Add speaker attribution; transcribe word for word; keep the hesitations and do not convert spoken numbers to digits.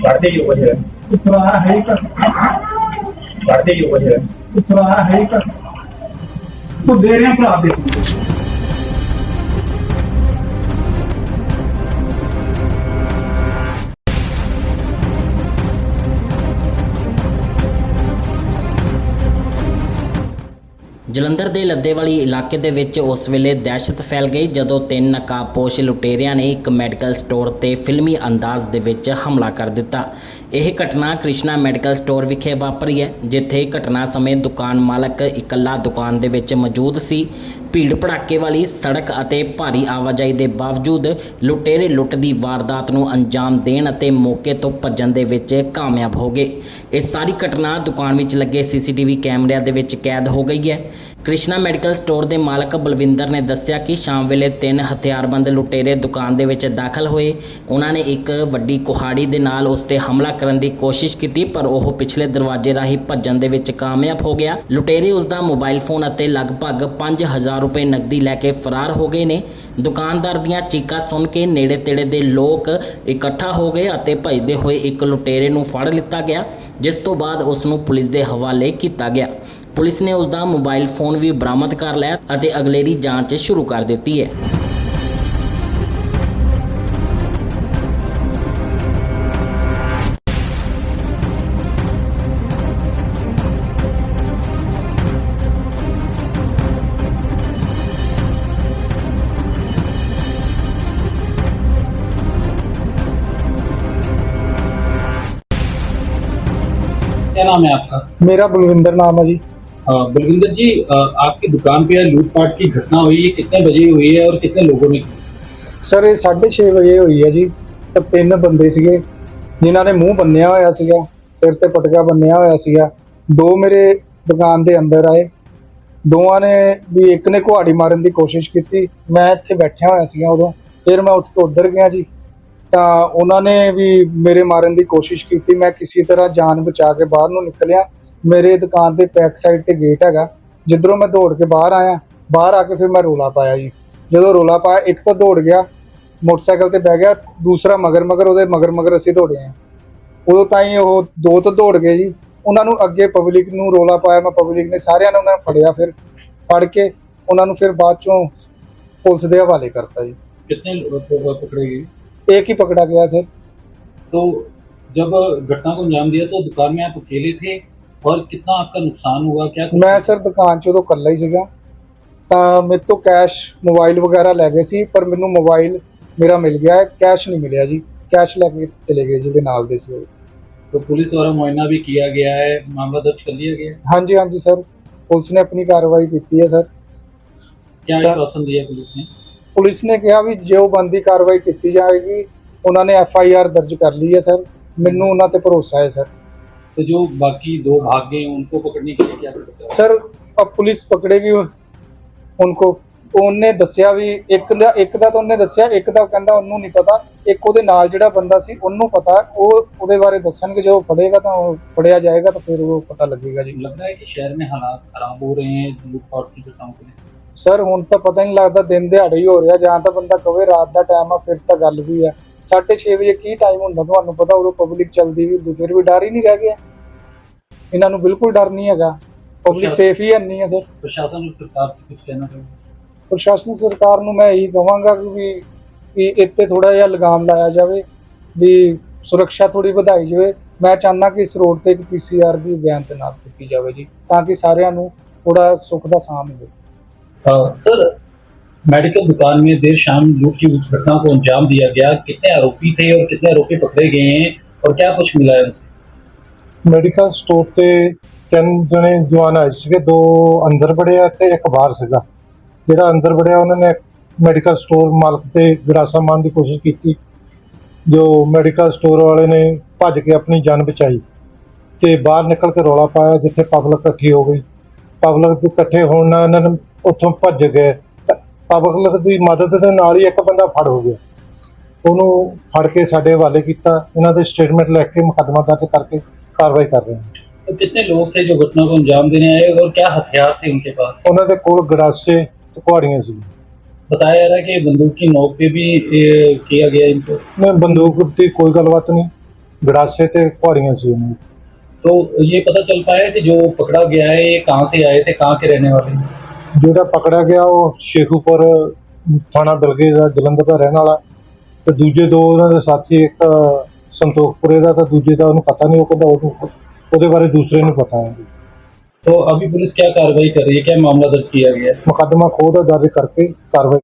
Speaker 1: बढ़ते ही ऊपर है
Speaker 2: उतरा है का
Speaker 1: बढ़ते ही ऊपर है
Speaker 2: उतरा है का तो दे रहे हैं भरा दे
Speaker 3: ਜਲੰਧਰ ਦੇ ਲੱਦੇਵਾਲੀ ਇਲਾਕੇ ਦੇ ਵਿੱਚ ਉਸ ਵੇਲੇ ਦਹਿਸ਼ਤ ਫੈਲ ਗਈ ਜਦੋਂ ਤਿੰਨ ਨਕਾਬਪੋਸ਼ ਲੁਟੇਰਿਆਂ ਨੇ ਇੱਕ ਮੈਡੀਕਲ ਸਟੋਰ ਤੇ ਫਿਲਮੀ ਅੰਦਾਜ਼ ਦੇ ਵਿੱਚ ਹਮਲਾ ਕਰ ਦਿੱਤਾ। ਇਹ ਘਟਨਾ ਕ੍ਰਿਸ਼ਨਾ ਮੈਡੀਕਲ ਸਟੋਰ ਵਿਖੇ ਵਾਪਰੀ ਹੈ, ਜਿੱਥੇ ਘਟਨਾ ਸਮੇਂ ਦੁਕਾਨ ਮਾਲਕ ਇਕੱਲਾ ਦੁਕਾਨ ਦੇ ਵਿੱਚ ਮੌਜੂਦ ਸੀ। ਭੀੜ ਭੜਾਕੇ ਵਾਲੀ ਸੜਕ ਅਤੇ ਭਾਰੀ ਆਵਾਜਾਈ ਦੇ ਬਾਵਜੂਦ ਲੁਟੇਰੇ ਲੁੱਟ ਦੀ ਵਾਰਦਾਤ ਨੂੰ ਅੰਜਾਮ ਦੇਣ ਅਤੇ ਮੌਕੇ ਤੋਂ ਭੱਜਣ ਦੇ ਵਿੱਚ ਕਾਮਯਾਬ ਹੋ ਗਏ। ਇਹ ਸਾਰੀ ਘਟਨਾ ਦੁਕਾਨ ਵਿੱਚ ਲੱਗੇ ਸੀਸੀਟੀਵੀ ਕੈਮਰਿਆਂ ਦੇ ਵਿੱਚ ਕੈਦ ਹੋ ਗਈ ਹੈ। ਕ੍ਰਿਸ਼ਨਾ ਮੈਡੀਕਲ ਸਟੋਰ ਦੇ ਮਾਲਕ ਬਲਵਿੰਦਰ ਨੇ ਦੱਸਿਆ ਕਿ ਸ਼ਾਮ ਵੇਲੇ ਤਿੰਨ ਹਥਿਆਰਬੰਦ ਲੁਟੇਰੇ ਦੁਕਾਨ ਦੇ ਵਿੱਚ ਦਾਖਲ ਹੋਏ। ਉਹਨਾਂ ਨੇ ਇੱਕ ਵੱਡੀ ਕੁਹਾੜੀ ਦੇ ਨਾਲ ਉਸ ਤੇ ਹਮਲਾ ਕਰਨ ਦੀ ਕੋਸ਼ਿਸ਼ ਕੀਤੀ, ਪਰ ਉਹ ਪਿਛਲੇ ਦਰਵਾਜ਼ੇ ਰਾਹੀਂ ਭੱਜਣ ਦੇ ਵਿੱਚ ਕਾਮਯਾਬ ਹੋ ਗਿਆ। ਲੁਟੇਰੇ ਉਸ ਦਾ ਮੋਬਾਈਲ ਫੋਨ ਅਤੇ ਲਗਭਗ ਪੰਜ ਹਜ਼ਾਰ ਰੁਪਏ ਨਕਦੀ ਲੈ ਕੇ ਫਰਾਰ ਹੋ ਗਏ ਨੇ। ਦੁਕਾਨਦਾਰ ਦੀਆਂ ਚੀਕਾਂ ਸੁਣ ਕੇ ਨੇੜੇ ਤੇੜੇ ਦੇ ਲੋਕ ਇਕੱਠਾ ਹੋ ਗਏ ਅਤੇ ਭੱਜਦੇ ਹੋਏ ਇੱਕ ਲੁਟੇਰੇ ਨੂੰ ਫੜ ਲਿੱਤਾ ਗਿਆ, ਜਿਸ ਤੋਂ ਬਾਅਦ ਉਸ ਨੂੰ ਪੁਲਿਸ ਦੇ ਹਵਾਲੇ ਕੀਤਾ ਗਿਆ। ਪੁਲਿਸ ਨੇ ਉਸ ਦਾ ਮੋਬਾਈਲ ਫੋਨ ਵੀ ਬਰਾਮਦ ਕਰ ਲਿਆ ਅਤੇ ਅਗਲੇਰੀ ਜਾਂਚ ਸ਼ੁਰੂ ਕਰ ਦਿੱਤੀ ਹੈ।
Speaker 4: क्या नाम है आपका?
Speaker 2: मेरा बलविंदर नाम है जी।
Speaker 4: अ, बलविंदर जी, अ, आपकी दुकान पे लूटपाट की घटना हुई है, कितने बजे हुई है और कितने लोगों ने की?
Speaker 2: सर ये साढ़े छे बजे हुई है जी। तो तीन बंदे सीगे जिन्हां ने मूँह बन्निया होया सीगा, सिर ते पटका बन्निया होया सीगा। दो मेरे दुकान दे अंदर आए, दोवां ने भी एक ने कुहाड़ी मारन की कोशिश की। मैं इत्थे बैठा होया सीगा उदों, फिर मैं उठ के उधर गया जी, ਤਾਂ ਉਹਨਾਂ ਨੇ ਵੀ ਮੇਰੇ ਮਾਰਨ ਦੀ ਕੋਸ਼ਿਸ਼ ਕੀਤੀ। ਮੈਂ ਕਿਸੇ ਤਰ੍ਹਾਂ ਜਾਨ ਬਚਾ ਕੇ ਬਾਹਰ ਨੂੰ ਨਿਕਲਿਆ। ਮੇਰੇ ਦੁਕਾਨ ਦੇ ਬੈਕ ਸਾਈਡ ਤੇ ਗੇਟ ਹੈਗਾ, ਜਿੱਧਰੋਂ ਮੈਂ ਦੌੜ ਕੇ ਬਾਹਰ ਆਇਆ। ਬਾਹਰ ਆ ਕੇ ਫਿਰ ਮੈਂ ਰੋਲਾ ਪਾਇਆ ਜੀ। ਜਦੋਂ ਰੋਲਾ ਪਾਇਆ, ਇੱਕ ਤਾਂ ਦੌੜ ਗਿਆ ਮੋਟਰਸਾਈਕਲ ਤੇ ਬਹਿ ਗਿਆ, ਦੂਸਰਾ ਮਗਰ ਮਗਰ ਉਹਦੇ ਮਗਰ ਮਗਰ ਅਸੀਂ ਦੌੜੇ ਆ। ਉਦੋਂ ਤਾਈਂ ਉਹ ਦੋ ਤਾਂ ਦੌੜ ਗਏ ਜੀ। ਉਹਨਾਂ ਨੂੰ ਅੱਗੇ ਪਬਲਿਕ ਨੂੰ ਰੋਲਾ ਪਾਇਆ ਮੈਂ, ਪਬਲਿਕ ਨੇ ਸਾਰਿਆਂ ਨੇ ਉਹਨਾਂ ਨੂੰ ਫੜਿਆ। ਫਿਰ ਫੜ ਕੇ ਉਹਨਾਂ ਨੂੰ ਫਿਰ ਬਾਅਦ ਚੋਂ ਪੁਲਿਸ ਦੇ ਹਵਾਲੇ ਕਰਤਾ ਜੀ।
Speaker 4: कितने लोग पकड़े गए?
Speaker 2: एक ही पकड़ा गया सर।
Speaker 4: तो जब घटना को अंजाम दिया तो दुकान में आप अकेले थे और कितना आपका नुकसान हुआ? क्या
Speaker 2: मैं सर दुकान 'ਚ ਉਦੋਂ ਇਕੱਲਾ ਹੀ ਸੀਗਾ। ਤਾਂ ਮੇਰੇ ਤੋਂ ਕੈਸ਼ ਮੋਬਾਈਲ ਵਗੈਰਾ ਲੈ ਗਏ ਸੀ, ਪਰ ਮੈਨੂੰ ਮੋਬਾਈਲ ਮੇਰਾ ਮਿਲ ਗਿਆ ਹੈ, ਕੈਸ਼ ਨਹੀਂ ਮਿਲਿਆ ਜੀ। ਕੈਸ਼ ਲੈ ਕੇ ਚਲੇ ਗਏ ਜਿਹਦੇ ਨਾਲ ਦੇ ਸੀ।
Speaker 4: तो पुलिस द्वारा मुआयना भी किया गया है, मामला दर्ज कर लिया गया है?
Speaker 2: ਹਾਂਜੀ ਹਾਂਜੀ सर, पुलिस ने अपनी कार्रवाई की है सर।
Speaker 4: क्या आश्वासन दिया पुलिस ने?
Speaker 2: पुलिस ने कहा भी जो बनती कार्रवाई की जाएगी। उन्होंने एफ आई आर दर्ज कर ली है सर। मैनू उन्होंने ते भरोसा है सर।
Speaker 4: तो जो बाकी दो भाग गए उनको पकड़ने के लिए क्या करते हैं?
Speaker 2: सर अब पुलिस पकड़ेगी उनको। ਉਹਨੇ ਦੱਸਿਆ ਵੀ ਇੱਕ ਦਾ ਇੱਕ ਦਾ ਤਾਂ ਉਹਨੇ ਦੱਸਿਆ, ਇੱਕ ਦਾ ਕਹਿੰਦਾ ਉਹਨੂੰ ਨਹੀਂ ਪਤਾ, ਇੱਕ ਉਹਦੇ ਨਾਲ ਜਿਹੜਾ ਬੰਦਾ ਸੀ ਉਹਨੂੰ ਪਤਾ। ਉਹ ਉਹਦੇ ਬਾਰੇ ਦੱਸਣਗੇ, ਜਦੋਂ ਫੜੇਗਾ ਤਾਂ ਉਹ ਫੜਿਆ ਜਾਏਗਾ ਤਾਂ ਫਿਰ ਉਹ ਪਤਾ ਲੱਗੇਗਾ ਜੀ।
Speaker 4: लगता है कि शहर में हालात खराब हो रहे हैं लूटपाट की घटनाओं के लिए?
Speaker 2: ਸਰ ਹੁਣ ਤਾਂ ਪਤਾ ਨਹੀਂ ਲੱਗਦਾ, ਦਿਨ ਦਿਹਾੜੇ ਹੀ ਹੋ ਰਿਹਾ। ਜਾਂ ਤਾਂ ਬੰਦਾ ਕਵੇ ਰਾਤ ਦਾ ਟਾਈਮ ਆ, ਫਿਰ ਤਾਂ ਗੱਲ ਵੀ ਆ। ਸਾਢੇ ਛੇ ਵਜੇ ਕੀ ਟਾਈਮ ਹੁੰਦਾ ਤੁਹਾਨੂੰ ਪਤਾ, ਉਦੋਂ ਪਬਲਿਕ ਚੱਲਦੀ ਵੀ, ਫਿਰ ਵੀ ਡਰ ਹੀ ਨਹੀਂ ਰਹਿ ਗਿਆ। ਇਹਨਾਂ ਨੂੰ ਬਿਲਕੁਲ ਡਰ ਨਹੀਂ ਹੈਗਾ, ਪਬਲਿਕ ਸੇਫ ਹੀ ਨਹੀਂ ਹੈ ਸਰ।
Speaker 4: प्रशासन और सरकार से कुछ कहना चाहिए?
Speaker 2: ਪ੍ਰਸ਼ਾਸਨਿਕ ਸਰਕਾਰ ਨੂੰ ਮੈਂ ਇਹੀ ਕਹਾਂਗਾ ਕਿ ਵੀ ਕਿ ਇੱਥੇ ਥੋੜਾ ਜਿਹਾ ਲਗਾਮ ਲਾਇਆ ਜਾਵੇ, ਵੀ ਸੁਰੱਖਿਆ ਥੋੜੀ ਵਧਾਈ ਜਾਵੇ। ਮੈਂ ਚਾਹੁੰਦਾ ਕਿ ਇਸ ਰੋਡ ਤੇ ਇੱਕ ਪੀ ਸੀ ਆਰ ਦੀ ਬਿਆਨ ਤੈਨਾਤ ਕੀਤੀ ਜਾਵੇ ਜੀ, ਤਾਂ ਕਿ ਸਾਰਿਆਂ ਨੂੰ ਥੋੜਾ ਸੁੱਖ ਦਾ ਸਾਹ ਮਿਲੇ।
Speaker 4: सर, मेडिकल दुकान में देर शाम लूट की उस घटना को अंजाम दिया गया, कितने आरोपी थे और कितने आरोपी पकड़े गए हैं और क्या कुछ मिला है?
Speaker 5: ਮੈਡੀਕਲ ਸਟੋਰ ਤੇ ਤਿੰਨ ਜਣੇ ਜਵਾਨ ਆਏ ਸੀਗੇ, ਦੋ ਅੰਦਰ ਵੜਿਆ ਤੇ ਇੱਕ ਬਾਹਰ ਸੀਗਾ। ਜਿਹੜਾ ਅੰਦਰ ਵੜਿਆ ਉਹਨਾਂ ਨੇ ਮੈਡੀਕਲ ਸਟੋਰ ਮਾਲਕ ਤੇ ਗਰਾਸਾ ਮਾਰਨ ਦੀ ਕੋਸ਼ਿਸ਼ ਕੀਤੀ, ਜੋ ਮੈਡੀਕਲ ਸਟੋਰ ਵਾਲੇ ਨੇ ਭੱਜ ਕੇ ਆਪਣੀ ਜਾਨ ਬਚਾਈ ਤੇ ਬਾਹਰ ਨਿਕਲ ਕੇ ਰੌਲਾ ਪਾਇਆ, ਜਿੱਥੇ ਪਬਲਿਕ ਇਕੱਠੀ ਹੋ ਗਈ। ਪਬਲਿਕ ਦੇ ਇਕੱਠੇ ਹੋਣ ਨਾਲ ਇਹਨਾਂ ਨੇ ਉੱਥੋਂ ਭੱਜ ਗਏ। ਪਬਲਿਕ ਦੀ ਮਦਦ ਦੇ ਨਾਲ ਹੀ ਇੱਕ ਬੰਦਾ ਫੜ ਹੋ ਗਿਆ, ਉਹਨੂੰ ਫੜ ਕੇ ਸਾਡੇ ਹਵਾਲੇ ਕੀਤਾ। ਇਹਨਾਂ ਦੇ ਸਟੇਟਮੈਂਟ ਲੈ ਕੇ ਮੁਕੱਦਮਾ ਦਰਜ ਕਰਕੇ कार्रवाई कर रहे हैं।
Speaker 4: तो कितने लोग थे जो घटना को अंजाम देने आए और क्या हथियार थे उनके पास?
Speaker 5: उन्होंने कोल गरासे ते कुहाड़ियां सी।
Speaker 4: बताया जा रहा है कि बंदूक की नोक पे भी ए, किया गया इनको।
Speaker 5: नहीं, बंदूक की कोई गलबात नहीं, गड़ासे ते कुहाड़ियाँ सी उनमें।
Speaker 4: तो ये पता चल पाया कि जो पकड़ा गया है ये कहाँ से आए थे, कहाँ के रहने वाले हैं?
Speaker 5: ਜਿਹੜਾ ਪਕੜਿਆ ਗਿਆ ਉਹ ਸ਼ੇਖੂਪੁਰ ਥਾਣਾ ਬਿਲਗੇ ਦਾ ਜਲੰਧਰ ਦਾ ਰਹਿਣ ਵਾਲਾ ਤੇ ਦੂਜੇ ਦੋ ਉਹਨਾਂ ਦੇ ਸਾਥੀ ਇੱਕ ਸੰਤੋਖਪੁਰੇ ਦਾ ਤਾਂ ਦੂਜੇ ਦਾ ਉਹਨੂੰ ਪਤਾ ਨਹੀਂ, ਉਹ ਕਹਿੰਦਾ ਉਹਨੂੰ ਉਹਦੇ ਬਾਰੇ ਦੂਸਰੇ ਨੂੰ ਪਤਾ ਹੈ।
Speaker 4: तो अभी पुलिस क्या कार्रवाई कर रही है, क्या मामला दर्ज किया गया है?
Speaker 5: ਮੁਕੱਦਮਾ ਖੋਹ ਦਾ ਦਰਜ ਕਰਕੇ ਕਾਰਵਾਈ